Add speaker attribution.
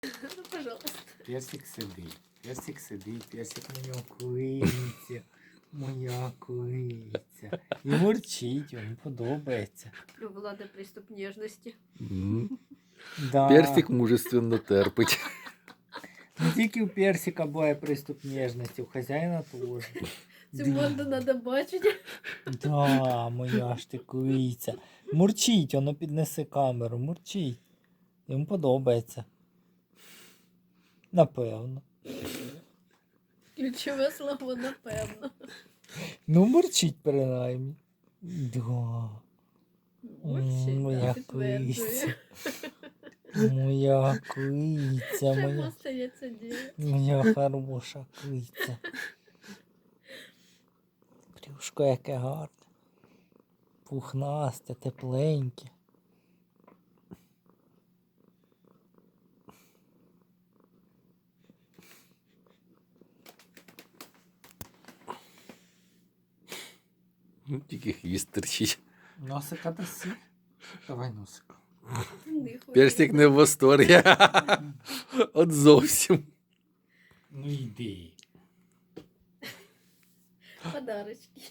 Speaker 1: Ну, пожалуйста.
Speaker 2: Персик сидить, персик моя куриця, моя куриця. І мурчить, йому подобається.
Speaker 1: У Влада приступ нежности.
Speaker 2: Да.
Speaker 3: Персик мужественно терпить.
Speaker 2: Не тільки у персика буває приступ ніжності, у хазяїна теж.
Speaker 1: Цю морду надо бачити.
Speaker 2: Да, моя ж ти куриця. Мурчить, воно піднесе камеру, мурчить. Йому подобається. Напевно.
Speaker 1: Ключове слово, напевно.
Speaker 2: Ну, мурчить принаймні. Да.
Speaker 1: Мурчить,
Speaker 2: Моя
Speaker 1: так, підтверджує.
Speaker 2: куриця. Моя куриця,
Speaker 1: Чому
Speaker 2: моя,
Speaker 1: стається діяти?
Speaker 2: моя хороша куриця. Брюшко яке гарне. Пухнасте, тепленьке.
Speaker 3: Тільки хвіст терчить.
Speaker 2: Носика даси? Давай носика.
Speaker 1: Не хочу.
Speaker 3: Персик не в восторгі. От зовсім.
Speaker 2: Ну йди.
Speaker 1: Подарочки.